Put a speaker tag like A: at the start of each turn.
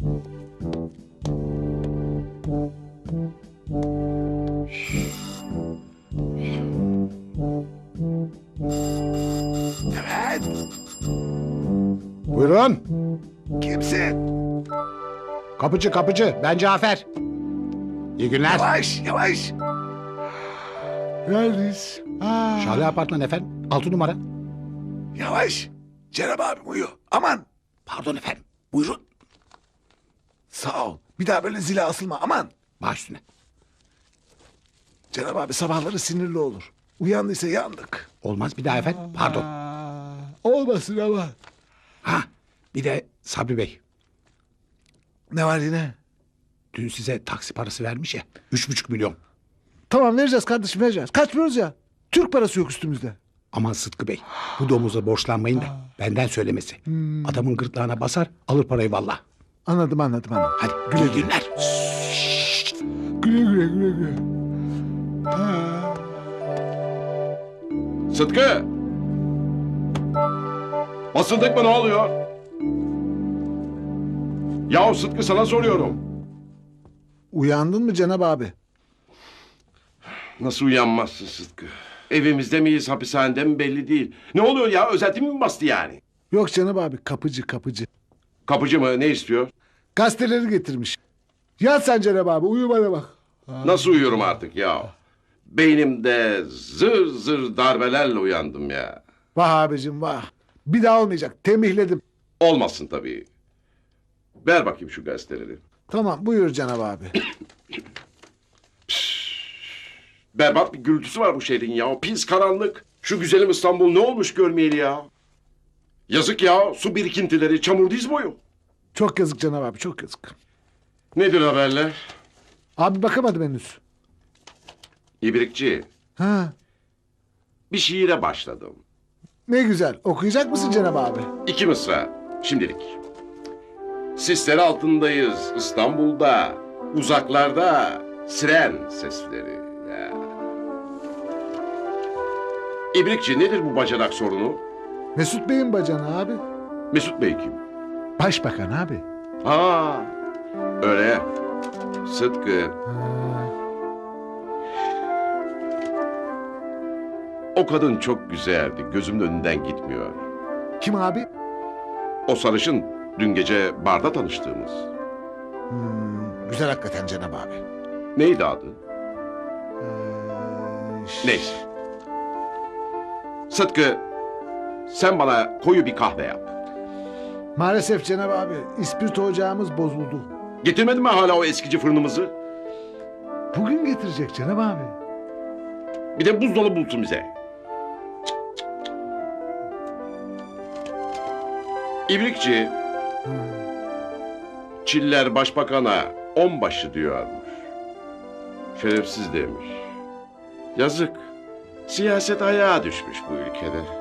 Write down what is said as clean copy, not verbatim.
A: Evet.
B: Buyurun.
A: Kimsin?
B: Kapıcı kapıcı. Ben Cafer. İyi günler.
A: Yavaş yavaş. Neredeyiz?
B: Şale Apartman efendim. 6 numara.
A: Yavaş. Cenab abim uyuyor. Aman.
B: Pardon efendim.
A: Buyurun. Sağ ol. Bir daha böyle zile asılma. Aman.
B: Baş üstüne.
A: Cenab abi sabahları sinirli olur. Uyandıysa yandık.
B: Olmaz bir daha efendim. Pardon.
A: Olmasın ama.
B: Ha, bir de Sabri Bey.
A: Ne var yine?
B: Dün size taksi parası vermiş ya. 3,5 milyon.
A: Tamam vereceğiz kardeşim vereceğiz. Kaçmıyoruz ya. Türk parası yok üstümüzde.
B: Aman Sıtkı Bey. Bu domuza borçlanmayın da benden söylemesi. Adamın gırtlağına basar alır parayı valla.
A: Anladım.
B: Hadi
A: Güle
B: iyi
A: güle.
B: günler.
A: Güle.
C: Sıtkı! Basıldık mı ne oluyor? Yahu Sıtkı sana soruyorum.
A: Uyandın mı Cenab abi?
C: Nasıl uyanmazsın Sıtkı? Evimizde miyiz, hapishanede mi belli değil. Ne oluyor ya? Özetim mi bastı yani?
A: Yok Cenab abi kapıcı.
C: Kapıcı mı? Ne istiyor?
A: Gazeteleri getirmiş. Yat sen Cenab abi uyu bana bak.
C: Nasıl uyuyorum artık ya? Beynimde zır zır darbelerle uyandım ya.
A: Vah abicim vah. Bir daha olmayacak tembihledim.
C: Olmasın tabii. Ver bakayım şu gazeteleri.
A: Tamam buyur Cenab abi.
C: Berbat bir gürültüsü var bu şehrin ya. Pis karanlık. Şu güzelim İstanbul ne olmuş görmeyeli ya. Yazık ya. Su birikintileri, çamur diz boyu.
A: Çok yazık Cenab abi çok yazık.
C: Nedir haberler?
A: Abi bakamadım henüz.
C: İbrikçi,
A: Ha,
C: bir şiire başladım.
A: ne güzel. Okuyacak mısın Cenab abi?
C: 2 mısra, şimdilik. Sisler altındayız İstanbul'da, uzaklarda siren sesleri. Ya. İbrikçi nedir bu bacanak sorunu?
A: Mesut Bey'in bacanı abi.
C: Mesut Bey kim?
A: Başbakan abi.
C: Ha, öyle. Sıtkı. O kadın çok güzeldi. Gözümün önünden gitmiyor.
A: Kim abi?
C: O sarışın dün gece barda tanıştığımız.
A: Güzel hakikaten Cenab abi.
C: Neydi adı? Neyse. Sıtkı, sen bana koyu bir kahve yap.
A: Maalesef Cenab abi ispirto ocağımız bozuldu.
C: Getirmedin mi hala o eskici fırınımızı?
A: Bugün getirecek Cenab abi.
C: Bir de buzdolabı bulsun bize. İbrikçi, Çiller başbakana 10 başı diyormuş. Şerefsiz demiş. Yazık. Siyaset ayağa düşmüş bu ülkede.